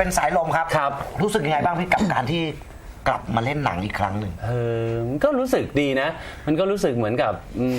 เป็นสายลมครับครับรู้สึกยังไงบ้างพี่กับการที่กลับมาเล่นหนังอีกครั้งหนึ่งมันก็รู้สึกดีนะ มันก็รู้สึกเหมือนกับ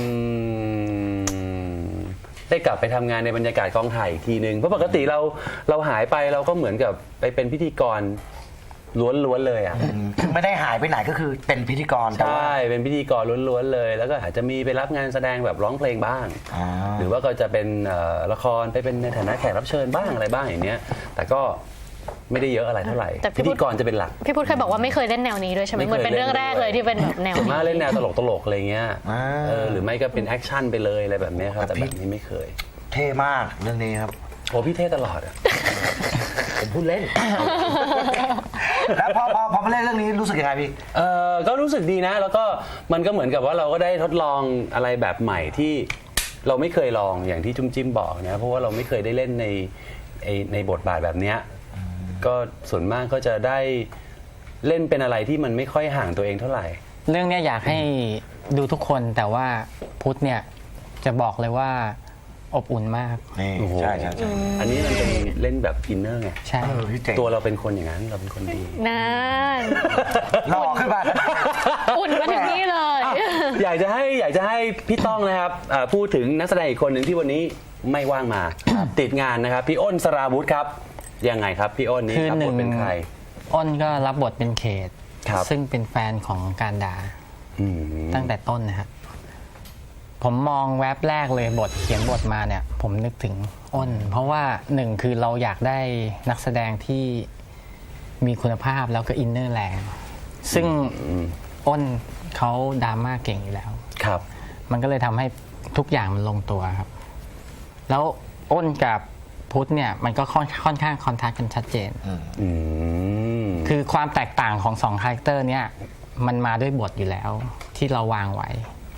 ได้กลับไปทำงานในบรรยากาศกองถ่ายอีกทีนึงเพราะปกติเราหายไปเราก็เหมือนกับไปเป็นพิธีกรล้วนๆเลยอ่ะคือไม่ได้หายไปไหนก็คือเป็นพิธีกรแต่ว่าใช่เป็นพิธีกรล้วนๆเลย แล้วก็อาจจะมีไปรับงานแสดงแบบร้องเพลงบ้าง หรือว่าก็จะเป็นละครไปเป็นในฐานะแขกรับเชิญบ้างอะไรบ้างอย่างเนี้ยแต่ก็ไม่ได้เยอะอะไรเท่าไหร่พิธีกรจะเป็นหลักพี่พุทธเคยบอกว่าไม่เคยเล่นแนวนี้ด้วยใช่ไหมเหมือนเป็นเรื่องแรกเลยที่เป็นแบบแนวส่วนนี้มากเล่นแนวตลกๆอะไรเงี้ยหรือไม่ก็เป็นแอคชั่นไปเลยอะไรแบบนี้ครับแต่แบบนี้ไม่เคยเท่มากเรื่องนี้ครับโอ้พี่เท่ตลอดอ่ะ ผมพูดเล่นแล้วพอมาเล่นเรื่องนี้รู้สึกยังไงพี่ก็รู้สึกดีนะแล้วก็มันก็เหมือนกับว่าเราก็ได้ทดลองอะไรแบบใหม่ที่เราไม่เคยลองอย่างที่จุ้มจิ้มบอกนะเพราะว่าเราไม่เคยได้เล่นในบทบาทแบบเนี้ยก็ส่วนมากก็จะได้เล่นเป็นอะไรที่มันไม่ค่อยห่างตัวเองเท่าไหร่เรื่องนี้อยากให้ดูทุกคนแต่ว่าพุทธเนี่ยจะบอกเลยว่าอบอุ่นมากใช่อันนี้มันเป็นเล่นแบบอินเนอร์ไงใช่ตัวเราเป็นคนอย่างนั้นเราเป็นคนดีนั่นหล่อขึ้นมาอุ่นมาถึงนี่เลยอยากจะให้พี่ต้องนะครับพูดถึงนักแสดงอีกคนหนึ่งที่วันนี้ไม่ว่างมาติดงานนะครับพี่อ้นสราวุธครับยังไงครับพี่อ้นนี้รับบทเป็นใครอ้นก็รับบทเป็นเขตซึ่งเป็นแฟนของการดาตั้งแต่ต้นนะครับผมมองแว็บแรกเลยเขียนบทมาเนี่ยผมนึกถึงอ้นเพราะว่าหนึ่งคือเราอยากได้นักแสดงที่มีคุณภาพแล้วก็อินเนอร์แรงซึ่งอ้นเขาดราม่าเก่งอยู่แล้วครับมันก็เลยทำให้ทุกอย่างมันลงตัวครับแล้วอ้นกับพุทธเนี่ยมันก็ค่อนข้างคอนทราสต์กันชัดเจนคือความแตกต่างของสองคาแรคเตอร์เนี่ยมันมาด้วยบทอยู่แล้วที่เราวางไว้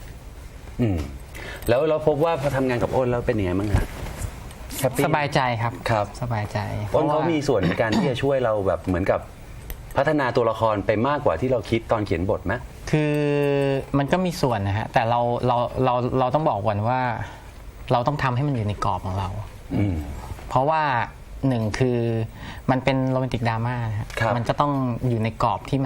แล้วเราพบว่าพอทำงานกับอ้นแล้วเป็นยังไงบ้างฮะสบายใจครับสบายใจอ้นเขามีส่วนในการที่จะช่วยเราแบบเหมือนกับพัฒนาตัวละครไปมากกว่าที่เราคิดตอนเขียนบทไหมคือมันก็มีส่วนนะฮะแต่เราต้องบอกก่อนว่าเราต้องทำให้มันอยู่ในกรอบของเราเพราะว่าหนึ่งคือมันเป็นโรแมนติกดราม่ามันจะต้องอยู่ในกรอบที่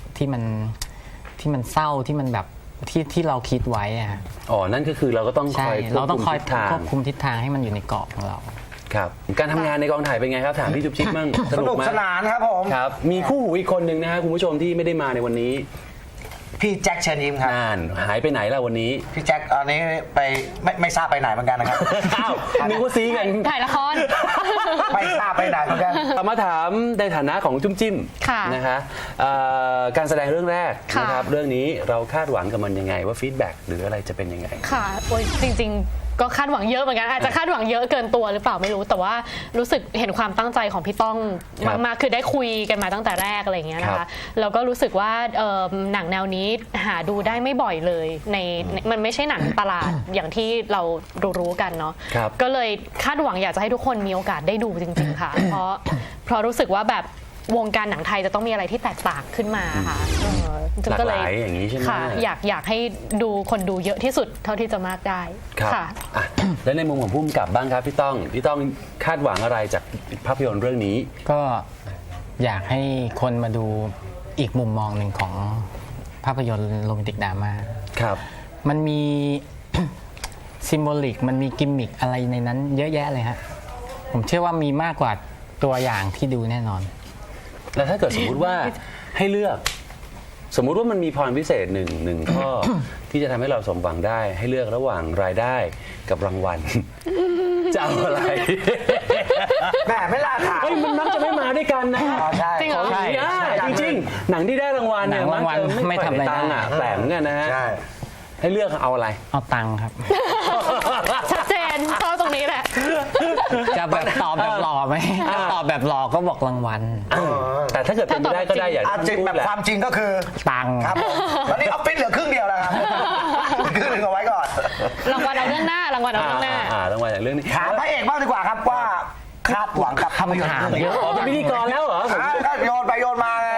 มันเศร้าที่มันแบบที่เราคิดไว้อะนั่นก็คือเราก็ต้องคอยควบคุมทิศทางให้มันอยู่ในกรอบของเราครับการทำงานในกองถ่ายเป็นไงครับถามพี่จุ๊บจิ๊บมั่งสนุกสนานครับผมครับมีคู่หูอีกคนหนึ่งนะฮะคุณผู้ชมที่ไม่ได้มาในวันนี้พี่แจ็คเชิญยิ้มครับหายไปไหนล่ะวันนี้พี่แจ็คตอนนี้ไปไม่ทราบไปไหนเหมือนกันนะครับอ้าวนึกว่าซีกันถ่ายละครไม่ทราบไปไหนเหมือนกันมาถามในฐานะของจุ้มจิ้มนะคะการแสดงเรื่องแรกนะครับเรื่องนี้เราคาดหวังกับมันยังไงว่าฟีดแบ็กหรืออะไรจะเป็นยังไงค่ะโอ้ยจริงก็คาดหวังเยอะเหมือนกันอาจจะคาดหวังเยอะเกินตัวหรือเปล่าไม่รู้แต่ว่ารู้สึกเห็นความตั้งใจของพี่ต้องมากๆคือได้คุยกันมาตั้งแต่แรกอะไรอย่างเงี้ยนะคะแล้วก็รู้สึกว่าหนังแนวนี้หาดูได้ไม่บ่อยเลยมันไม่ใช่หนังตลาดอย่างที่เรารู้กันเนาะก็เลยคาดหวังอยากจะให้ทุกคนมีโอกาสได้ดูจริงๆค่ะเพราะรู้สึกว่าแบบวงการหนังไทยจะต้องมีอะไรที่แตกต่างขึ้นมาค่ะหลากหลายอย่างนี้ใช่ไหมค่ะอยากให้ดูคนดูเยอะที่สุดเท่าที่จะมากได้ค่ะแล้วในมุมของผู้กำกับบ้างครับพี่ต้องคาดหวังอะไรจากภาพยนตร์เรื่องนี้ก็อยากให้คนมาดูอีกมุมมองหนึ่งของภาพยนตร์โรแมนติกดราม่าครับมันมีซิมโบลิกมันมีกิมมิคอะไรในนั้นเยอะแยะเลยฮะผมเชื่อว่ามีมากกว่าตัวอย่างที่ดูแน่นอนแล้วถ้าเกิดสมมุติว่าให้เลือกสมมุติว่ามันมีพรพิเศษหนึ่งข้อที่จะทำให้เราสมหวังได้ให้เลือกระหว่างรายได้กับรางวัลจะเอาอะไรแม่ไม่ล่าถามมันมักจะไม่มาด้วยกันนะจริงเหรอจริงหนังที่ได้รางวัลเนี่ยมักจะไม่ทำอะไรตังค์แปลกเหมือนกันนะฮะให้เลือกเอาอะไรเอาตังค์ครับชัดเจนชอบตรงนี้แหละจะแบบตอบแบบหล่อไหมตอบแบบหล่อก็บอกรางวัลแต่ถ้าเกิดเป็นไปได้ก็ได้อย่างจริงแบบความจริงก็คือตังค์ครับตอนนี้ออฟฟิศเหลือครึ่งเดียวแล้วครับครึ่งหนึ่งเอาไว้ก่อนรางวัลเอาเรื่องหน้ารางวัลเอาเรื่องหน้ารางวัลอย่างเรื่องนี้ถามพระเอกบ้างดีกว่าครับว่าคาดหวังกับภาพยนตร์เรื่องนี้เป็นพิธีกรแล้วเหรอโยนไปโยนมาไง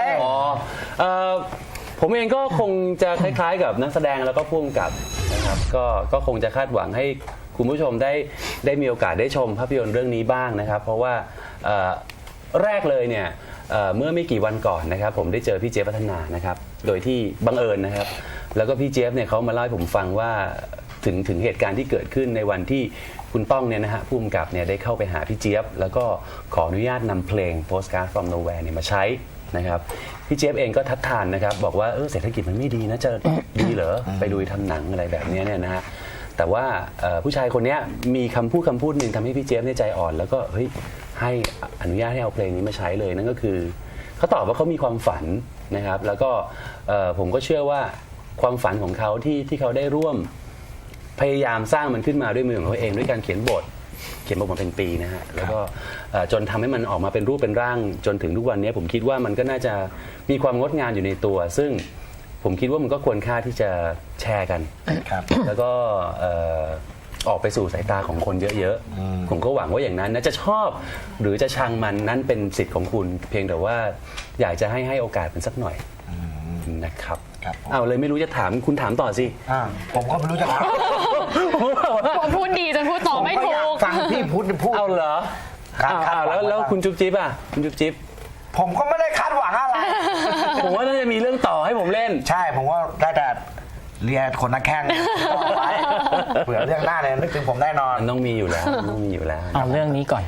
ผมเองก็คงจะคล้ายๆกับนักแสดงแล้วก็ผู้กำกับนะครับก็คงจะคาดหวังให้คุณผู้ชมได้มีโอกาสได้ชมภาพยนตร์เรื่องนี้บ้างนะครับเพราะว่าแรกเลยเนี่ยเมื่อไม่กี่วันก่อนนะครับผมได้เจอพี่เจี๊ยบพัฒนานะครับโดยที่บังเอิญนะครับแล้วก็พี่เจี๊ยบเนี่ยเขามาเล่าให้ผมฟังว่าถึงเหตุการณ์ที่เกิดขึ้นในวันที่คุณป้องเนี่ยนะฮะผู้กำกับเนี่ยได้เข้าไปหาพี่เจี๊ยบแล้วก็ขออนุญาตนำเพลง Postcard from Nowhere เนี่ยมาใช้นะครับพี่เจี๊ยบเองก็ทัดทานนะครับบอกว่าเศรษฐกิจมันไม่ดีนะจะดีเหรอไปดูทำหนังอะไรแบบนี้เนี่ยนะฮะแต่ว่าผู้ชายคนนี้มีคำพูดหนึ่งทำให้พี่เจี๊ยบเนี่ยใจอ่อนแล้วก็เฮ้ยให้อนุญาตให้เอาเพลงนี้มาใช้เลยนั่นก็คือเขาตอบว่าเขามีความฝันนะครับแล้วก็ผมก็เชื่อว่าความฝันของเขาที่เขาได้ร่วมพยายามสร้างมันขึ้นมาด้วยมือของเขาเองด้วยการเขียนบทมาเป็นปีนะฮะแล้วก็จนทำให้มันออกมาเป็นรูปเป็นร่างจนถึงทุกวันนี้ผมคิดว่ามันก็น่าจะมีความงดงามอยู่ในตัวซึ่งผมคิดว่ามันก็ควรค่าที่จะแชร์กันแล้วก็ออกไปสู่สายตาของคนเยอะๆผมก็หวังว่าอย่างนั้นนะจะชอบหรือจะชังมันนั้นเป็นสิทธิ์ของคุณเพียงแต่ว่าอยากจะให้โอกาสมันสักหน่อยนะครับเอาเลยไม่รู้จะถามคุณถามต่อสิผมก็ไม่รู้จะถามผมพูดดีจนพูดต่อไม่ถูกฟังพี่พูดเอาเหรอแล้วคุณจุ๊บจิ๊บอ่ะคุณจุ๊บจิ๊บผมก็ไม่ได้คาดหวังอะไรผมว่าน่าจะมีเรื่องต่อให้ผมเล่นใช่ผมว่าได้แต่เรียนคนนักแข่งต่อไปเผื่อเรื่องหน้าเนี่ยนึกถึงผมแน่นอนต้องมีอยู่แล้วเอาเรื่องนี้ก่อน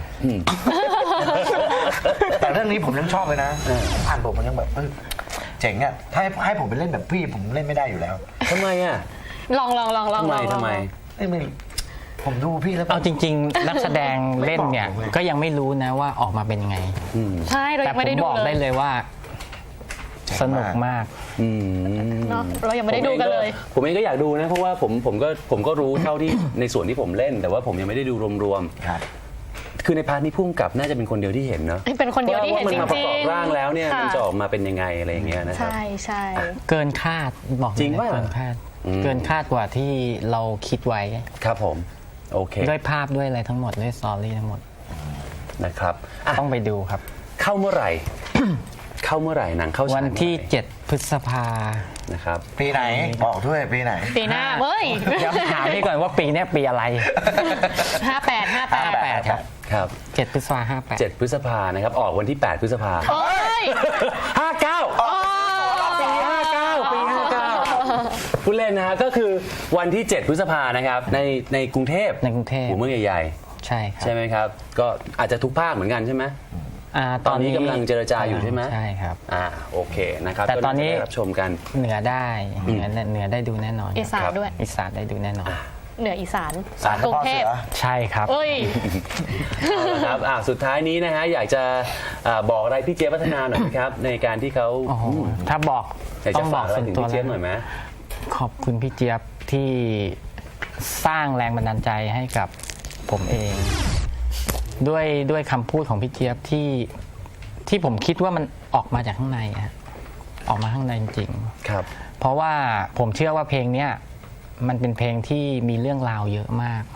แต่เรื่องนี้ผมยังชอบเลยนะอ่านบทมันยังแบบเจ๋งอ่ะถ้าให้ผมไปเล่นแบบพี่ผมเล่นไม่ได้อยู่แล้วทำไมอ่ะลองทำไมผมดูพี่แล้วเอาจริงๆนักแสดงเล่นเนี่ยก็ยังไม่รู้นะว่าออกมาเป็นยังไงใช่เรายังไม่ได้ดูแต่ผมบอกได้เลยว่าสนุกมากเนาะเรายังไม่ได้ดูกันเลยผมเองก็อยากดูนะเพราะว่าผมก็รู้เท่าที่ในส่วนที่ผมเล่นแต่ว่าผมยังไม่ได้ดูรวมๆคือในพาร์ทนี้พุ่งกับน่าจะเป็นคนเดียวที่เห็นเนาะเป็นคนเดียวที่เห็นจริงๆมันมาประกอบร่างแล้วเนี่ยมันจะออกมาเป็นยังไงอะไรอย่างเงี้ยนะครับใช่เกินคาดบอกจริงว่าเกินคาดกว่าที่เราคิดไว้ครับผมโอเคด้วยภาพด้วยอะไรทั้งหมดด้วยสตอรี่ทั้งหมดนะครับต้องไปดูครับเข้าเมื่อไหร่หนังเข้าวันที่7พฤษภานะครับปีไหนบอกด้วยปีไหนปีหน้าเว้ยเดี๋ยวถามพี่ก่อนว่าปีนี้ปีอะไร 58 ครับ 7พฤษภา58 7พฤษภานะครับออกวันที่8พฤษภาโอ้ย 59ปี59ผู้เล่นนะฮะก็คือวันที่7พฤษภานะครับในกรุงเทพหัวเมืองใหญ่ๆใช่ครับใช่ไหมครับก็อาจจะทุกภาคเหมือนกันใช่ไหมตอนนี้กำลังเจรจาอยู่ใช่ไหมใช่ครับโอเคนะครับแต่ตอนนี้รับชมกันเหนือได้ดูแน่นอนอีสานด้วยอีสานได้ดูแน่นอนเหนืออีสานกรุงเทพใช่ครับครับสุดท้ายนี้นะฮะอยากจะบอกอะไรพี่เจี๊ยบพัฒนาหน่อยครับในการที่เขาถ้าบอกต้องบอกส่วนตัวแล้วหน่อยไหมขอบคุณพี่เจี๊ยบที่สร้างแรงบันดาลใจให้กับผมเองด้วยคำพูดของพี่เจี๊ยบที่ผมคิดว่ามันออกมาจากข้างในออกมาข้างในจริงๆครับเพราะว่าผมเชื่อว่าเพลงเนี้ยมันเป็นเพลงที่มีเรื่องราวเยอะมาก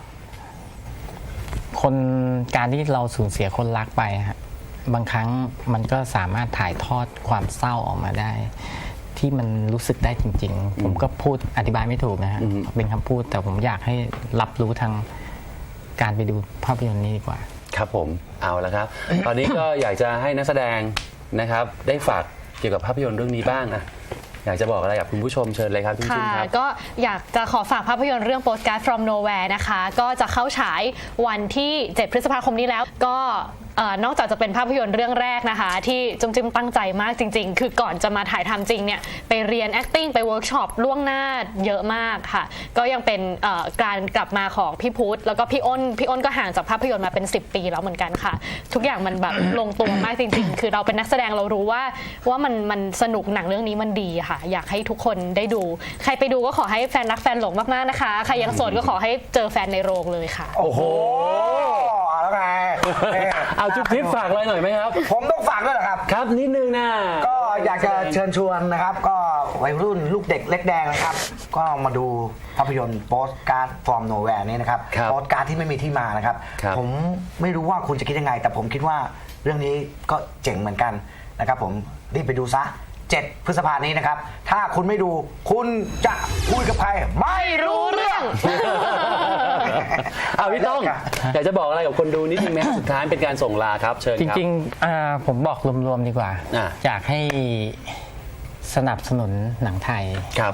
การที่เราสูญเสียคนรักไปบางครั้งมันก็สามารถถ่ายทอดความเศร้าออกมาได้ที่มันรู้สึกได้จริงๆผมก็พูดอธิบายไม่ถูกนะฮะเป็นคำพูดแต่ผมอยากให้รับรู้ทางการไปดูภาพยนตร์นี้ดีกว่าครับผมเอาละครับ ตอนนี้ก็อยากจะให้นักแสดงนะครับได้ฝากเกี่ยวกับภาพยนตร์เรื่องนี้บ้างอยากจะบอกอะไรกับคุณผู้ชมเชิญเลยครับคุณชินครับก็อยากจะขอฝากภาพยนตร์เรื่อง Postcard from Nowhere นะคะก็จะเข้าฉายวันที่7พฤษภาคมนี้แล้วก็นอกจากจะเป็นภาพยนตร์เรื่องแรกนะคะที่จุ๊มจิ้มตั้งใจมากจริงๆคือก่อนจะมาถ่ายทำจริงเนี่ยไปเรียน acting ไปเวิร์กช็อปล่วงหน้าเยอะมากค่ะก็ยังเป็นการกลับมาของพี่พุทธแล้วก็พี่อ้นก็ห่างจากภาพยนตร์มาเป็น10 ปีแล้วเหมือนกันค่ะทุกอย่างมันแบบลงตัวมากจริงๆคือเราเป็นนักแสดงเรารู้ว่ามันสนุกหนังเรื่องนี้มันดีค่ะอยากให้ทุกคนได้ดูใครไปดูก็ขอให้แฟนรักแฟนหลงมากๆนะคะใครยังโสดก็ขอให้เจอแฟนในโรงเลยค่ะโอ้โหแล้วไงเอาจุ๊บจิ๊บฝากอะไรหน่อยไหมครับผมต้องฝากด้วยเหรอครับครับนิดนึงนะก็อยากจะเชิญชวนนะครับก็วัยรุ่นลูกเด็กเล็กแดงนะครับก็มาดูภาพยนตร์ Postcard from Nowhere นี้นะครับโปสการ์ดที่ไม่มีที่มานะครับผมไม่รู้ว่าคุณจะคิดยังไงแต่ผมคิดว่าเรื่องนี้ก็เจ๋งเหมือนกันนะครับผมรีบไปดูซะ7พฤษภาคมนี้นะครับถ้าคุณไม่ดูคุณจะคุยกับใครไม่รู้เรื่องเอาพี่ต้องอยากจะบอกอะไรกับคนดูนิดนึงไหมสุดท้ายเป็นการส่งลาครับเชิญจครับริงๆผมบอกรวมๆดีกว่า อยากให้สนับสนุนหนังไทยครับ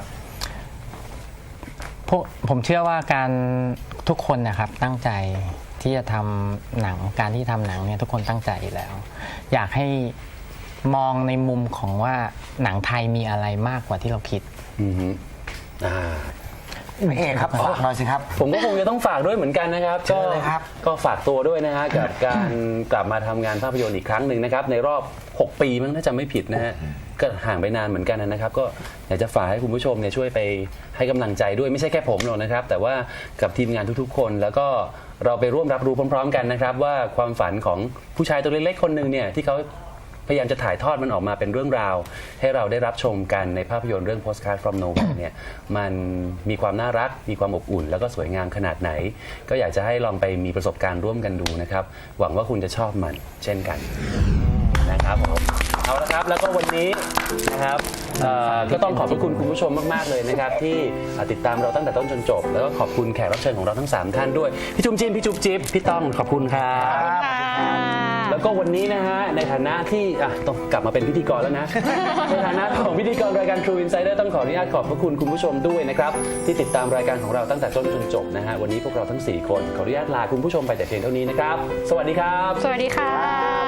ผมเชื่อว่าการทุกคนนะครับตั้งใจที่จะทำหนังการที่ทำหนังเนี่ยทุกคนตั้งใจอยู่แล้ว อยากให้มองในมุมของว่าหนังไทยมีอะไรมากกว่าที่เราคิดอือฮึอ่าพี่เอกครับฝากหน่อยสิครับผมก็คงจะต้องฝากด้วยเหมือนกันนะครับเชิญเลยครับก็ฝากตัวด้วยนะฮะกับการกลับมาทำงานภาพยนตร์อีกครั้งหนึ่งนะครับในรอบ 6 ปีมั้งถ้าจำไม่ผิดนะฮะก็ห่างไปนานเหมือนกันนะครับ ก็อยากจะฝากให้คุณผู้ชมเนี่ยช่วยไปให้กำลังใจด้วยไม่ใช่แค่ผมหรอกนะครับ แต่ว่ากับทีมงานทุกๆ คนแล้วก็เราไปร่วมรับรู้พร้อมๆกันนะครับ ว่าความฝันของผู้ชายตัวเล็กๆคนหนึ่งเนี่ยที่เขาพยายามจะถ่ายทอดมันออกมาเป็นเรื่องราว ให้เราได้รับชมกันในภาพยนตร์เรื่อง Postcard from Nowhere เนี่ยมันมีความน่ารักมีความอบอุ่น แล้วก็สวยงามขนาดไหน ก็อยากจะให้ลองไปมีประสบการณ์ร่วมกันดูนะครับหวังว่าคุณจะชอบมันเช่นกันนะครับผมเอาละครับแล้วก็วันนี้นะครับก็ต้องขอบพระคุณคุณผู้ชมมากๆเลยนะครับที่ติดตามเราตั้งแต่ต้นจนจบ แล้วก็ขอบคุณแขกรับเชิญของเราทั้ง3ท่านด้วยพี่จุ๊มจิ้มพี่จุ๊บจิ๊บพี่ต้องขอบคุณครับ แล้วก็วันนี้นะฮะในฐานะที่ต้องกลับมาเป็นพิธีกรแล้วนะ ในฐานะของพิธีกรรายการ True Insider ต้องขออนุญาตขอบพระคุณคุณผู้ชมด้วยนะครับที่ติดตามรายการของเราตั้งแต่ต้นจนจบนะฮะวันนี้พวกเราทั้ง4คนขออนุญาตลาคุณผู้ชมไปแต่เพียงเท่านี้นะครับสวัสดีครับสวัสดีค่ะ